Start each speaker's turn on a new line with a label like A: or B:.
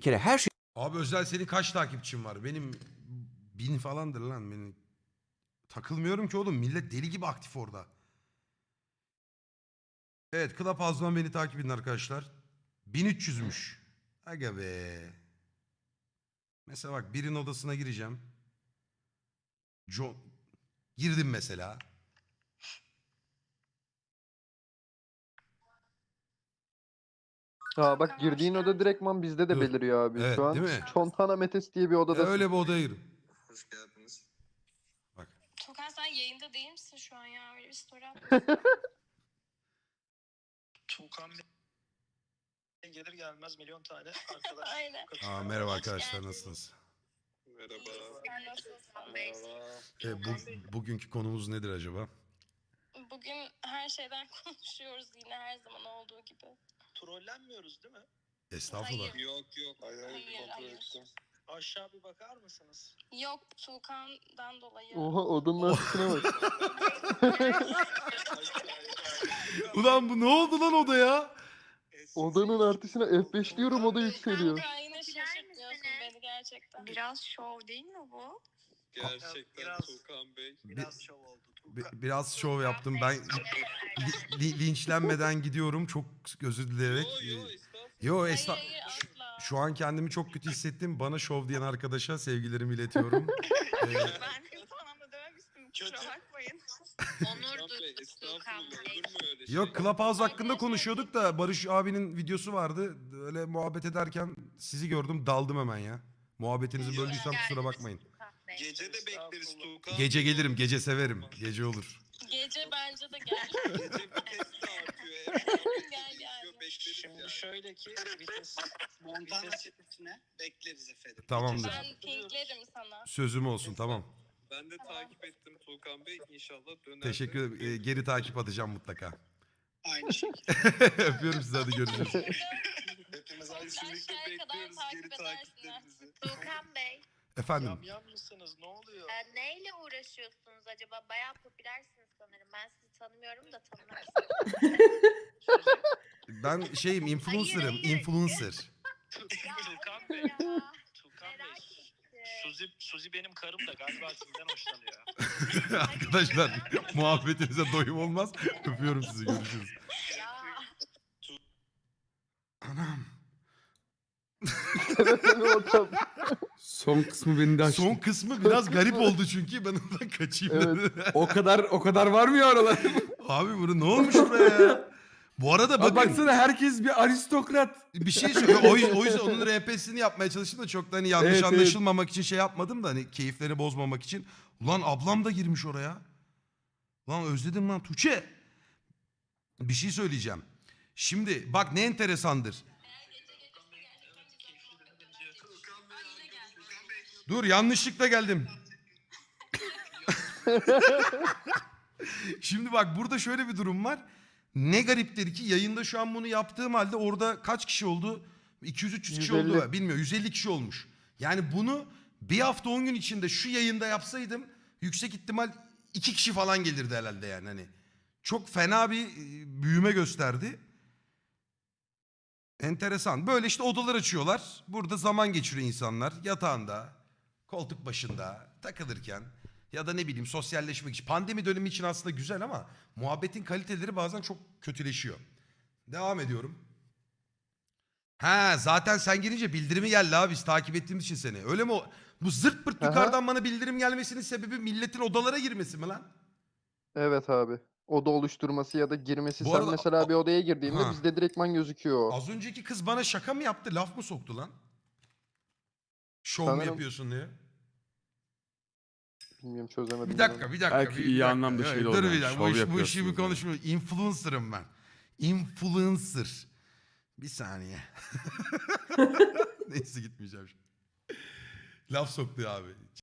A: kere her şey
B: Abi Özel senin kaç takipçin var? Benim 1000 falandır lan. Benim takılmıyorum ki oğlum. Millet deli gibi aktif orada. Evet, Clubhouse'dan beni takip edin arkadaşlar. 1300'müş. Aga be. Mesela bak birinin odasına gireceğim. Girdim mesela.
C: Ha bak girdiğin oda direktman bizde de
B: Dur.
C: beliriyor abi.
B: Evet,
C: Şu an
B: değil mi?
C: Çontana Metes diye bir odadasın.
B: Öyle bir odaya girdim.
D: Hoş geldiniz.
B: Bak.
E: Tukan sen yayında değil misin şu an ya? Öyle bir story at.
D: Tuğkan Bey gelir gelmez milyon tane arkadaş.
E: Aynen.
B: Aa, merhaba
E: Hoş
B: arkadaşlar,
E: geldiniz.
B: nasılsınız?
D: Merhaba.
E: Sen nasılsın?
B: Bugünkü konumuz nedir acaba?
E: Bugün her şeyden konuşuyoruz yine her zaman olduğu gibi.
D: Trollenmiyoruz değil mi?
B: Estağfurullah.
E: Hayır.
D: Yok.
E: Hayır.
D: Aşağı bir bakar mısınız?
E: Yok Tukan'dan dolayı.
C: Oha odanın artışına bak.
B: Ulan bu ne oldu lan odaya?
C: Odanın artışına F5 diyorum oda yükseliyor.
E: Kanka yine şaşırtmıyorsun beni gerçekten.
F: Biraz şov değil mi bu?
D: Gerçekten
G: Biraz-
D: Tuğkan Bey.
G: Biraz şov oldu. Tuğkan.
B: Biraz şov yaptım. Ben linçlenmeden gidiyorum. Çok özür dileyerek. Yo
E: Hayır
B: estağ.
E: hayır asla.
B: Şu an kendimi çok kötü hissettim. Bana şov diyen arkadaşa sevgilerimi iletiyorum.
F: Ben kötü anlamda dememiştim. Kusura
G: Kötü.
F: bakmayın.
D: Onur Tuğkan Bey. Olur mu öyle şey?
B: Yok, Clubhouse hakkında konuşuyorduk da Barış abinin videosu vardı. Öyle muhabbet ederken sizi gördüm, daldım hemen ya. Muhabbetinizi böldüysem kusura bakmayın.
D: Gece de bekleriz Tuğkan.
B: Gece gelirim, gece severim. Gece olur.
E: Gece bence de gel.
D: Gece vites de artıyor.
E: Gel, gel.
D: Bekleriz
G: Şimdi
D: yani.
G: şöyle ki vites Montana çetesine bekleriz efendim.
B: Tamamdır.
E: Ben pinklerim sana.
B: Sözüm olsun, tamam.
D: Ben de takip ettim Tuğkan Bey. İnşallah döner.
B: Teşekkür ederim. Geri takip atacağım mutlaka.
G: Aynı şekilde.
B: Öpüyorum sizi, hadi görüşürüz.
D: Hepimiz
E: Sosyal
D: kesinlikle
E: şeye kadar
D: bekliyoruz
E: takip
D: geri
E: edersin
D: takiplerinizi.
F: Tuğkan Bey,
B: Efendim.
D: Yamyam mısınız? Ne oluyor?
F: neyle uğraşıyorsunuz acaba? Bayağı popülersiniz sanırım. Ben sizi tanımıyorum da tanımak istiyorum.
B: Ben şeyim, influencer'ım.
F: Hayır.
B: Influencer.
G: Tuğkan
F: hayır
G: Bey.
F: ya.
G: Tuğkan
F: Merak
G: Bey.
F: ettim.
G: Suzi benim karım da galiba sizden hoşlanıyor.
B: Arkadaşlar, muhabbetinize doyum olmaz. Öpüyorum sizi, görüşürüz.
F: Ya.
B: Anam.
H: Son kısmı beni de açtı.
B: Son kısmı biraz garip oldu çünkü ben ondan kaçayım
C: Evet.
B: dedim.
H: O kadar var mı ya oralar?
B: Abi bunu ne olmuş buraya ya? Bu arada
H: Bak
B: bakın
H: baksana herkes bir aristokrat.
B: bir şey söylüyor. O yüzden onun RP'sini yapmaya çalıştım da çok da hani yanlış
H: Evet, evet.
B: anlaşılmamak için şey yapmadım da hani keyiflerini bozmamak için. Ulan ablam da girmiş oraya. Lan özledim lan Tuğçe. Bir şey söyleyeceğim. Şimdi bak ne enteresandır. Dur, yanlışlıkla geldim. Şimdi bak burada şöyle bir durum var. Ne gariptir ki yayında şu an bunu yaptığım halde orada kaç kişi oldu? 200-300 kişi
C: 150.
B: oldu. Bilmiyorum, 150 kişi olmuş. Yani bunu bir hafta 10 gün içinde şu yayında yapsaydım yüksek ihtimal 2 kişi falan gelirdi herhalde yani. Hani çok fena bir büyüme gösterdi. Enteresan. Böyle işte odalar açıyorlar. Burada zaman geçiriyor insanlar. Yatağında, koltuk başında takılırken ya da ne bileyim sosyalleşmek için. Pandemi dönemi için aslında güzel ama muhabbetin kaliteleri bazen çok kötüleşiyor. Devam ediyorum. Ha zaten sen girince bildirimi geldi abi, biz takip ettiğimiz için seni. Öyle mi? Bu zırt pırt
C: Aha.
B: yukarıdan bana bildirim gelmesinin sebebi milletin odalara girmesi mi lan?
C: Evet abi. Oda oluşturması ya da girmesi.
B: Bu
C: Sen
B: arada-
C: mesela bir odaya girdiğinde
B: Ha.
C: bizde direktman gözüküyor o.
B: Az önceki kız bana şaka mı yaptı? Laf mı soktu lan? Şov mu
C: Sanırım-
B: yapıyorsun diye.
C: Bilmiyorum çözemedim.
B: Bir
C: ben
B: dakika,
C: onu.
B: bir dakika.
H: Belki
B: bir
H: iyi
B: dakika.
H: anlamda
B: Evet,
H: şeyle
B: dur
H: oldu
B: bir
H: yani,
B: dakika.
H: şov
B: Bu işi
H: yapıyorsunuz
B: bir
H: yani.
B: konuşmuyor. Influencer'ım ben. Influencer. Bir saniye. Neyse, gitmeyeceğim şimdi. Laf soktu abi.